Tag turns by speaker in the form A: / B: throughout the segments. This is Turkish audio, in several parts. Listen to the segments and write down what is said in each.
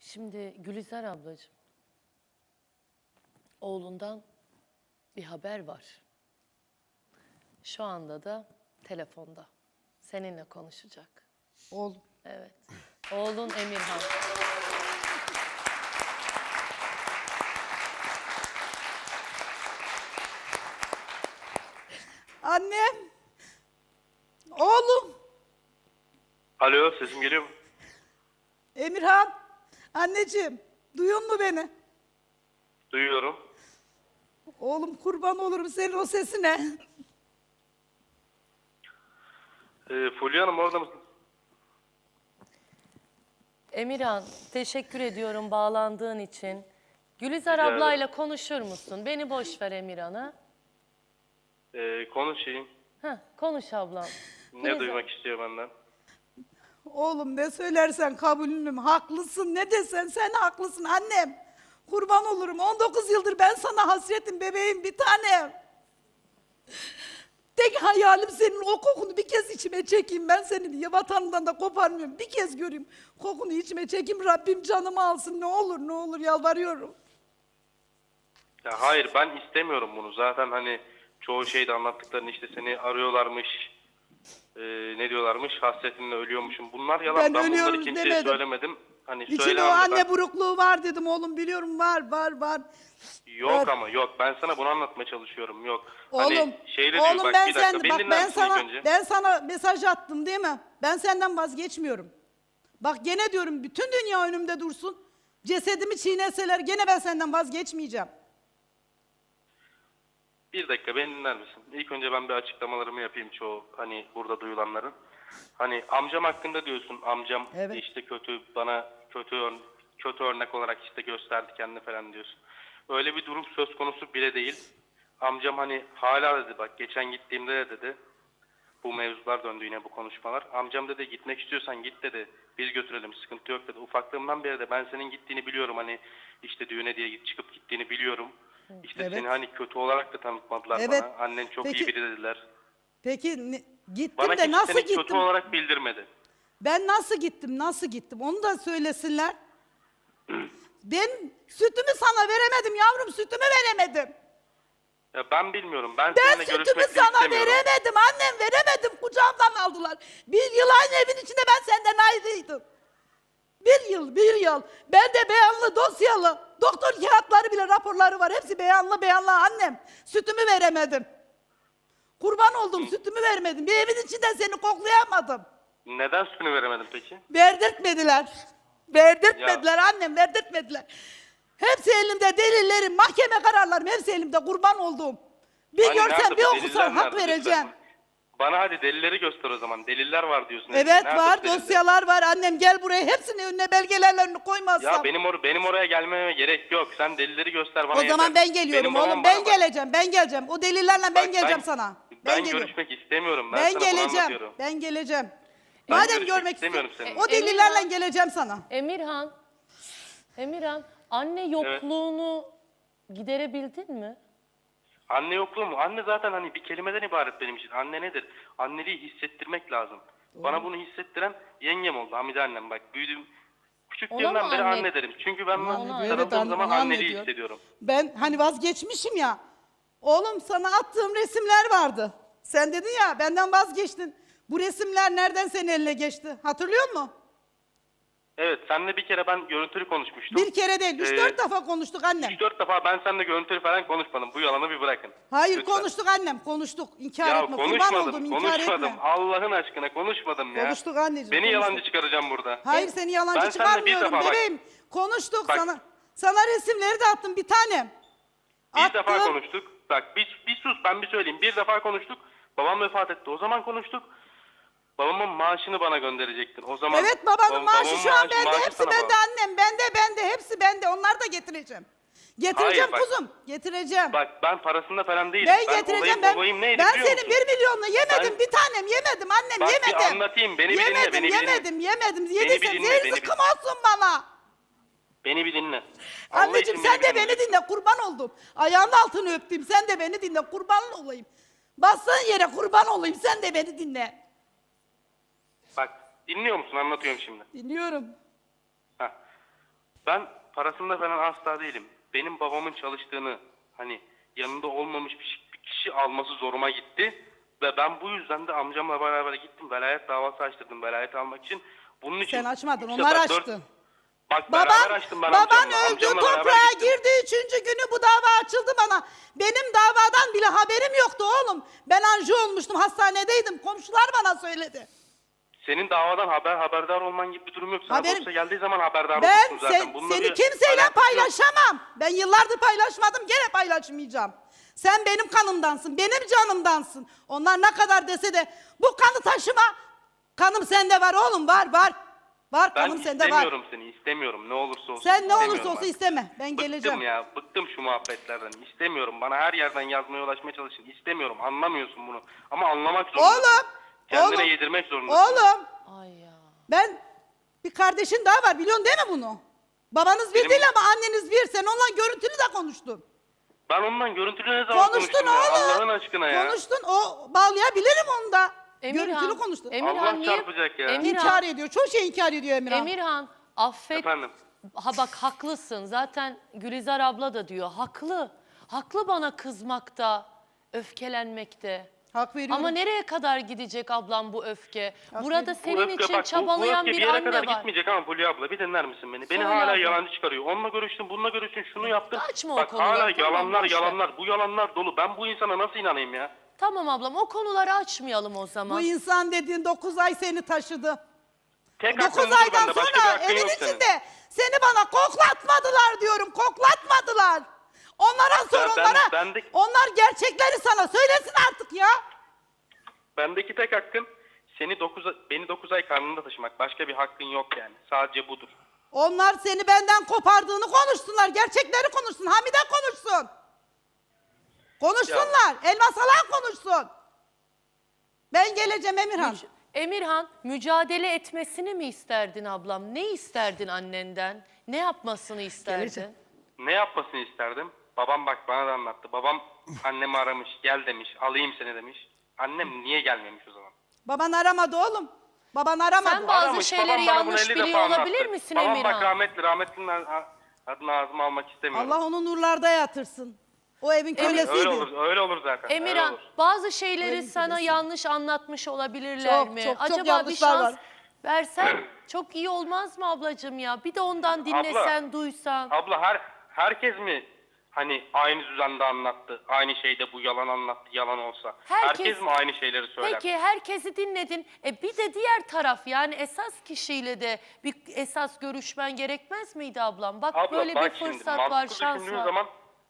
A: Şimdi Gülizar ablacığım, oğlundan bir haber var. Şu anda da telefonda. Seninle konuşacak.
B: Oğlum.
A: Evet. Oğlun Emirhan.
B: Annem. Oğlum.
C: Alo, sesim geliyor mu?
B: Emirhan. Anneciğim. Duyuyor mu beni?
C: Duyuyorum.
B: Oğlum kurban olurum senin o sesine.
C: Fulya Hanım orada mısın?
A: Emirhan, teşekkür ediyorum bağlandığın için. Gülizar
C: Rica ederim.
A: ablayla konuşur musun? Beni boş ver Emirhan'a.
C: Konuşayım.
A: Konuş ablam.
C: Ne
A: Gülizar-
C: duymak istiyor benden?
B: Oğlum ne söylersen kabulünüm. Haklısın. Ne desen sen haklısın annem. Kurban olurum. 19 yıldır ben sana hasretim bebeğim bir tanem. Tek hayalim senin o kokunu bir kez içime çekeyim. Ben seni vatanından da koparmıyorum. Bir kez göreyim. Kokunu içime çekeyim. Rabbim canımı alsın. Ne olur yalvarıyorum.
C: Ya hayır, ben istemiyorum bunu. Zaten hani çoğu şeyde anlattıklarını işte seni arıyorlarmış. Ne diyorlarmış? Hasretinle ölüyormuşum. Bunlar yalan.
B: Ben
C: Ben bunları
B: ölüyorum
C: kimseye
B: demedim.
C: söylemedim. Hani
B: İçinde o
C: söylemem de
B: anne
C: ben...
B: burukluğu var dedim oğlum biliyorum var.
C: Yok
B: Var.
C: ama yok. Ben sana bunu anlatmaya çalışıyorum. Yok.
B: Oğlum,
C: Hani şeyde diyor,
B: oğlum
C: bak
B: ben
C: bir dakika.
B: sen
C: Beni
B: bak
C: dinler misin ilk önce?
B: ben sana mesaj attım değil mi? Ben senden vazgeçmiyorum. Bak gene diyorum bütün dünya önümde dursun. Cesedimi çiğneseler gene ben senden vazgeçmeyeceğim.
C: Bir dakika, beni dinler misin? İlk önce ben bir açıklamalarımı yapayım çoğu hani burada duyulanların. Hani amcam hakkında diyorsun. Amcam
B: Evet.
C: işte bana kötü örnek olarak işte gösterdi kendini falan diyorsun. Öyle bir durum söz konusu bile değil. Amcam hani hala dedi, bak geçen gittiğimde de dedi. Bu mevzular döndü yine, bu konuşmalar. Amcam dedi gitmek istiyorsan git dedi. Biz götürelim, sıkıntı yok dedi. Ufaklığımdan beri de ben senin gittiğini biliyorum. Hani işte düğüne diye çıkıp gittiğini biliyorum. İşte
B: Evet.
C: seni hani kötü olarak da tanıtmadılar
B: Evet.
C: bana. Annen çok
B: Peki-
C: iyi biri dediler.
B: Peki gittim
C: Bana
B: de
C: kimse
B: nasıl
C: seni kötü
B: gittim?
C: olarak bildirmedi.
B: Ben nasıl gittim onu da söylesinler. Ben sütümü sana veremedim yavrum sütümü veremedim.
C: Ya ben bilmiyorum. Ben
B: Ben
C: seninle
B: sütümü
C: görüşmek de
B: sana
C: istemiyorum.
B: veremedim annem veremedim kucağımdan aldılar. Bir yıl aynı evin içinde ben senden ayrıydım. Bir yıl. Ben de beyanlı dosyalı. Doktor kağıtları bile raporları var. Hepsi beyanlı annem. Sütümü veremedim. Kurban oldum sütümü vermedim. Bir evin içinde seni koklayamadım.
C: Neden sütünü veremedim peki?
B: Verdirtmediler. Verdirtmediler annem verdirtmediler. Hepsi elimde delillerim, mahkeme kararlarım hepsi elimde kurban olduğum. Bir
C: Hani
B: görsen
C: nerede
B: bir
C: bu
B: okusan
C: deliller,
B: hak
C: nerede?
B: vereceğim.
C: Lütfen. Bana hadi delilleri göster o zaman. Deliller var diyorsun.
B: Evet
C: Nerede
B: var
C: bu deliller?
B: dosyalar var annem gel buraya hepsini önüne belgelerini koymazsam.
C: Ya benim oraya gelmeme gerek yok. Sen delilleri göster bana
B: O zaman
C: yeter.
B: ben geliyorum
C: Benim babam
B: oğlum
C: bana
B: ben
C: bak.
B: geleceğim. O delillerle ben
C: Bak,
B: geleceğim sana.
C: Ben
B: geliyorum.
C: görüşmek istemiyorum. Ben
B: Ben
C: sana bunu
B: geleceğim.
C: anlatıyorum.
B: Ben geleceğim.
C: Ben
B: Madem
C: görüşmek
B: görmek
C: istemiyorum
B: istiyorsun.
C: seninle.
B: O delillerle
A: Emirhan.
B: geleceğim sana.
A: Emirhan, anne yokluğunu giderebildin mi?
C: Anne yokluğu mu? Anne zaten hani bir kelimeden ibaret benim için. Anne nedir? Anneliği hissettirmek lazım. Bana bunu hissettiren yengem oldu. Hamide annem bak. Büyüdüğüm
A: Ona
C: küçüklüğümden
A: mı
C: beri
A: anne-
C: anne derim. Çünkü ben
A: Ona
C: bunu
A: evet,
C: sarıldığım zaman
B: ona anne
C: anneliği
B: diyor.
C: hissediyorum.
B: Ben hani vazgeçmişim ya. Oğlum sana attığım resimler vardı. Sen dedin ya benden vazgeçtin. Bu resimler nereden senin eline geçti? Hatırlıyor musun?
C: Evet, seninle bir kere ben görüntülü konuşmuştum.
B: Bir kere değil, 3-4 defa konuştuk annem.
C: 3-4 defa ben seninle görüntülü falan konuşmadım. Bu yalanı bir bırakın.
B: Hayır
C: Lütfen.
B: konuştuk annem, konuştuk. İnkar
C: Ya
B: etme, kurban
C: konuşmadım,
B: oldum, inkar
C: konuşmadım.
B: etme.
C: Allah'ın aşkına konuşmadım ya.
B: Konuştuk anneciğim,
C: Beni
B: konuştuk.
C: yalancı çıkaracağım burada.
B: Hayır seni yalancı
C: Ben seninle bir
B: çıkarmıyorum
C: defa bak-
B: bebeğim. Konuştuk
C: Bak.
B: sana resimleri de attım bir tanem.
C: Bir defa
B: Attım.
C: konuştuk. Bak bir sus, ben bir söyleyeyim. Bir defa konuştuk. Babam vefat etti. O zaman konuştuk. Babamın maaşını bana gönderecektin. O zaman
B: Evet babanın maaşı
C: babamın
B: şu an bende,
C: maaşı
B: hepsi
C: sana
B: bende
C: bağlı.
B: annem, bende, hepsi bende. Onları da getireceğim. Getireceğim
C: Hayır, bak.
B: kuzum, getireceğim.
C: Bak ben parasında falan değilim.
B: Ben getireceğim.
C: Olayım neydi
B: Ben
C: biliyor
B: senin
C: musun?
B: 1 milyonunu yemedim
C: Ben-
B: bir tanem yemedim annem
C: Bak, bir
B: yemedim.
C: anlatayım, beni bir dinle, beni bir dinle.
B: Yemedim.
C: Beni bir
B: Yediysen
C: dinle,
B: zehir
C: beni bir-
B: zıkkım olsun bana.
C: Beni bir dinle. Allah
B: Anneciğim
C: için
B: sen de
C: dinle.
B: beni dinle kurban oldum. Ayağının altını öptüm sen de beni dinle kurban olayım. Bassın yere kurban olayım sen de beni dinle.
C: Bak dinliyor musun? Anlatıyorum şimdi.
B: Dinliyorum.
C: Heh. Ben parasında falan asla değilim. Benim babamın çalıştığını hani yanında olmamış bir kişi alması zoruma gitti. Ve ben bu yüzden de amcamla beraber gittim. Velayet davası açtırdım velayet almak için. Bunun için
B: Sen açmadın,
C: üç
B: onlar
C: sefer,
B: açtı.
C: Bak beraber açtım ben
B: Baban
C: amcamla.
B: öldü,
C: Amcamla beraber
B: toprağa
C: gittim.
B: girdi. 3. günü bu dava açıldı bana. Benim davadan bile haberim yoktu oğlum. Ben anji olmuştum, hastanedeydim. Komşular bana söyledi.
C: Senin davadan haberdar olman gibi bir durum yok. Sana
B: Haberim-
C: dosya geldiği zaman haberdar
B: Ben
C: olursun zaten. Bununla
B: seni
C: bir
B: kimseyle
C: alakası yok.
B: paylaşamam. Ben yıllardır paylaşmadım, gene paylaşmayacağım. Sen benim kanımdansın, benim canımdansın. Onlar ne kadar dese de bu kanı taşıma. Kanım sende var oğlum, var. Var
C: Ben
B: kanım sende var.
C: istemiyorum seni, istemiyorum. Ne olursa olsun
B: Sen ne
C: istemiyorum
B: olursa olsun
C: ben.
B: isteme. Ben geleceğim.
C: Bıktım ya, bıktım şu muhabbetlerden. İstemiyorum. Bana her yerden yazmaya ulaşmaya çalışın. İstemiyorum, anlamıyorsun bunu. Ama anlamak zorundasın.
B: Oğlum,
C: Kendine
B: oğlum,
C: yedirmek zorundasın.
B: Oğlum,
A: Ay ya.
B: ben bir kardeşin daha var, biliyorsun değil mi bunu? Babanız bir
C: Benim-
B: değil ama anneniz bir. Sen onunla görüntülü de konuştun.
C: Ben ondan görüntülü ne zaman
B: Konuştun
C: konuştum ya?
B: oğlum.
C: Allah'ın aşkına ya.
B: Konuştun, o bağlayabilirim onu da.
A: Emirhan,
B: Görüntülü konuştun.
C: Allah çarpacak ya.
B: İnkar ediyor, çok şey inkar ediyor Emirhan.
A: Emirhan affet.
C: Efendim?
A: Ha bak haklısın. Zaten Gülizar abla da diyor. Haklı. Haklı bana kızmakta, öfkelenmekte.
B: Hak veriyorum.
A: Ama nereye kadar gidecek ablam bu öfke? Burada
C: Bu
A: senin
C: öfke
A: için
C: bak,
A: çabalayan
C: bu öfke
A: bir
C: yere
A: anne
C: kadar
A: var.
C: gitmeyecek ama Fulya abla bir dinler misin beni? Beni
A: Söyle
C: hala
A: abla.
C: yalancı çıkarıyor. Onunla görüştüm, bununla görüştüm, şunu yaptım.
A: Açma o
C: Bak
A: konuları,
C: hala
A: tamam,
C: yalanlar
A: boş ver.
C: yalanlar. Bu yalanlar dolu. Ben bu insana nasıl inanayım ya?
A: Tamam ablam o konuları açmayalım o zaman.
B: Bu insan dediğin 9 ay seni taşıdı.
C: Tek
B: 9
C: hakkın budur
B: aydan
C: bende. Başka bir
B: sonra
C: hakkın
B: evin
C: yok senin.
B: içinde seni bana koklatmadılar diyorum. Koklatmadılar. Onlara sor,
C: Ya ben-
B: onlara.
C: bendeki-
B: Onlar gerçekleri sana söylesin artık ya.
C: Bendeki tek hakkın beni 9 ay karnında taşımak. Başka bir hakkın yok yani. Sadece budur.
B: Onlar seni benden kopardığını konuşsunlar. Gerçekleri konuşsun. Hamide konuşsun. Konuşsunlar. Elmas Alan konuşsun. Ben geleceğim Emirhan.
A: Emirhan mücadele etmesini mi isterdin ablam? Ne isterdin annenden? Ne yapmasını isterdin?
B: Geleceğim.
C: Ne yapmasını isterdim? Babam bak bana da anlattı. Babam annemi aramış, gel demiş, alayım seni demiş. Annem niye gelmemiş o zaman?
B: Baban aramadı oğlum. Baban aramadı.
A: Sen bazı
C: Aramış,
A: şeyleri
C: babam bana bunu
A: yanlış
C: 50 defa
A: biliyor olabilir
C: anlattı.
A: misin
C: babam
A: Emirhan?
C: bak rahmetlinin adını ağzıma almak istemiyorum.
B: Allah onu nurlarda yatırsın. O evin kölesiydi.
C: Öyle olur zaten. öyle
A: Emirhan
C: olur.
A: bazı şeyleri
B: Öyle
A: sana
B: diyorsun.
A: yanlış anlatmış olabilirler
B: Çok,
A: mi?
B: çok, çok
A: Acaba bir
B: yanlışlar
A: şans
B: var.
A: versen çok iyi olmaz mı ablacığım ya? Bir de ondan dinlesen, duysan.
C: Abla herkes mi hani aynı düzende anlattı? Aynı şeyde bu yalan anlattı, yalan olsa. Herkes mi aynı şeyleri söyler?
A: Peki herkesi dinledin. Bir de diğer taraf yani esas kişiyle de bir esas görüşmen gerekmez miydi ablam? Bak
C: Abla
A: böyle
C: bak
A: bir
C: şimdi
A: fırsat var,
C: mantıklı
A: şans
C: düşündüğün
A: var.
C: zaman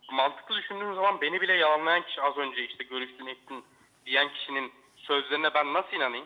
C: beni bile yalanlayan kişi az önce işte görüştün ettin diyen kişinin sözlerine ben nasıl inanayım?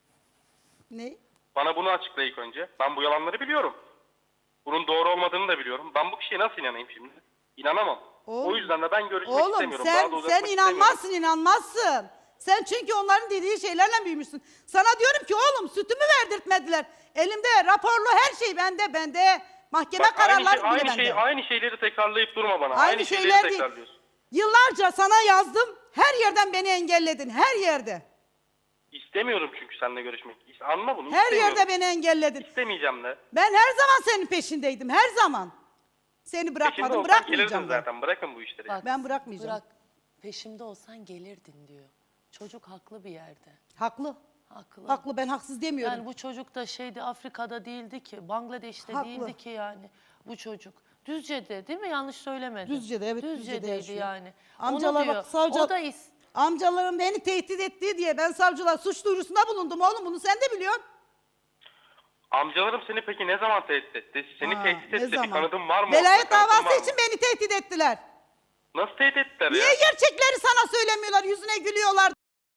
B: Ne?
C: Bana bunu açıkla ilk önce. Ben bu yalanları biliyorum. Bunun doğru olmadığını da biliyorum. Ben bu kişiye nasıl inanayım şimdi? İnanamam.
B: Oğlum,
C: O yüzden de ben görüşmek
B: Oğlum
C: istemiyorum. Daha da
B: sen
C: uzatmak
B: inanmazsın, inanmazsın. Sen çünkü onların dediği şeylerle büyümüşsün. Sana diyorum ki oğlum sütümü verdirtmediler. Elimde raporlu her şey bende. Mahkeme
C: Bak,
B: kararları bile bende.
C: aynı şeyleri tekrarlayıp durma bana.
B: Aynı
C: şeyleri
B: şeyler değil.
C: tekrarlıyorsun.
B: Yıllarca sana yazdım. Her yerden beni engelledin. Her yerde.
C: İstemiyorum çünkü seninle görüşmek. Anla bunu.
B: Her
C: istemiyorum.
B: yerde beni engelledin.
C: İstemeyeceğim de.
B: Ben her zaman senin peşindeydim. Her zaman. Seni
C: Peşinde
B: bırakmadım.
C: olsan
B: Bırakmayacağım
C: gelirdin
B: da.
C: zaten. Bırakın bu işleri.
A: Bak,
B: Ben bırakmayacağım.
A: Bırak. Peşimde olsan gelirdin diyor. Çocuk haklı bir yerde.
B: Haklı.
A: Haklı.
B: Haklı, ben haksız demiyorum.
A: Yani bu çocuk da şeydi Afrika'da değildi ki, Bangladeş'te
B: Haklı.
A: değildi ki yani bu çocuk. Düzce'de değil mi? Yanlış söylemedim.
B: Düzce'de, evet, Düzce'de
A: Düzce'deydi
B: yaşıyor.
A: yani.
B: Amcalar
A: Onu diyor.
B: bak, savcı-
A: O da
B: Amcalarım beni tehdit ettiği diye ben savcılar suç duyurusunda bulundum oğlum, bunu sen de biliyorsun.
C: Amcalarım seni peki ne zaman tehdit etti? Seni
B: Ha,
C: tehdit
B: ne
C: etti. Bir
B: zaman?
C: kanıtın var mı?
B: Velayet
C: ortada? Kanıtın var
B: davası
C: mı?
B: için beni tehdit ettiler.
C: Nasıl tehdit ettiler
B: Niye
C: ya?
B: gerçekleri sana söylemiyorlar, yüzüne gülüyorlar?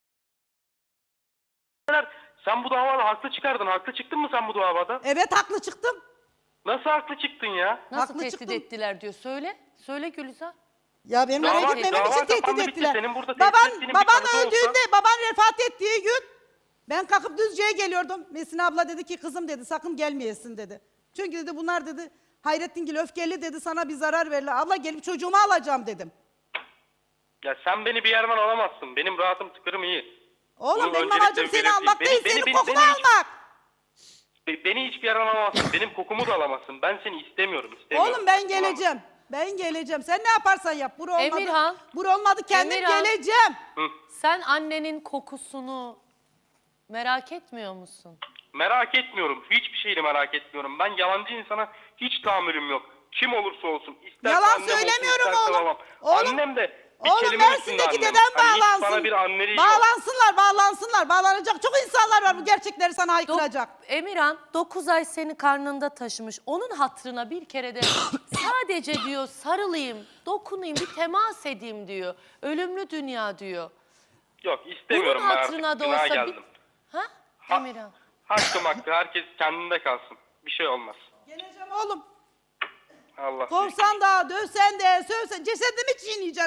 C: Sen bu davada haklı çıkardın. Haklı çıktın mı sen bu davada?
B: Evet, haklı çıktım.
C: Nasıl haklı çıktın ya?
A: nasıl
B: Haklı
A: tehdit
B: çıktım.
A: ettiler diyor. Söyle. Söyle Gülizar.
B: Ya benim
C: Dava-
B: oraya gitmemek
C: dava
B: için tehdit
C: kapandı, bitti.
B: ettiler.
C: Senin burada tehdit ettiğinin bir
B: Baban
C: kanıtı
B: öldüğünde,
C: olsa-
B: baban vefat ettiği gün ben kalkıp Düzce'ye geliyordum. Mesin abla dedi ki kızım dedi sakın gelmeyesin dedi. Çünkü dedi bunlar dedi Hayrettingil öfkeli dedi, sana bir zarar verirler. Abla gelip çocuğumu alacağım dedim.
C: Ya sen beni bir yerden alamazsın. Benim rahatım tıkırım iyi.
B: Oğlum
C: Bunu
B: benim
C: öncelikle
B: amacım seni
C: belirteyim.
B: almak değil,
C: Beni-
B: senin
C: beni-
B: kokunu
C: beni hiç-
B: almak.
C: Beni hiçbir yerden alamazsın. Benim kokumu da alamazsın. Ben seni istemiyorum.
B: Oğlum ben geleceğim. Ben geleceğim. Sen ne yaparsan yap. Bur olmadı.
A: Emirhan.
B: Bur olmadı, kendim
A: Emirhan.
B: geleceğim.
A: Sen annenin kokusunu merak etmiyor musun?
C: Merak etmiyorum. Hiçbir şeyi merak etmiyorum. Ben yalancı insana hiç tahammülüm yok. Kim olursa olsun. İsterse
B: Yalan
C: annem olsun,
B: söylemiyorum
C: isterse
B: oğlum.
C: babam.
B: Oğlum,
C: Annem de bir
B: Oğlum
C: kelime üstünde
B: Mersin'deki
C: annem.
B: dedem
C: Hani hiç
B: bağlansın.
C: bana bir anneliği yok.
B: Bağlansınlar. Bağlanacak çok insanlar var bu gerçekleri sana haykıracak.
A: Emirhan 9 ay seni karnında taşımış. Onun hatırına bir kere de sadece diyor sarılayım, dokunayım, bir temas edeyim diyor. Ölümlü dünya diyor.
C: Yok istemiyorum.
A: Bunun
C: Ben
A: hatırına
C: artık
A: da
C: günaha
A: olsa
C: geldim.
A: Ha?
C: Ha-
A: Emirhan.
C: Hakkım hakkı. Herkes kendinde kalsın. Bir şey olmaz.
B: Geleceğim oğlum.
C: Allah.
B: Kovsan da, dövsen de, sövsen, cesedimi çiğneyeceğim.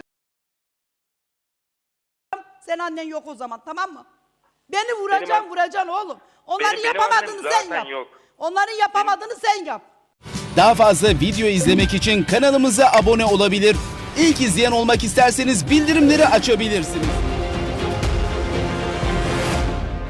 B: Sen annen yok o zaman, tamam mı? Beni vuracaksın oğlum. Onların
C: Benim
B: yapamadığını
C: annem
B: sen
C: zaten
B: yap.
C: yok.
B: Onların yapamadığını sen yap.
D: Daha fazla video izlemek için kanalımıza abone olabilir. İlk izleyen olmak isterseniz bildirimleri açabilirsiniz.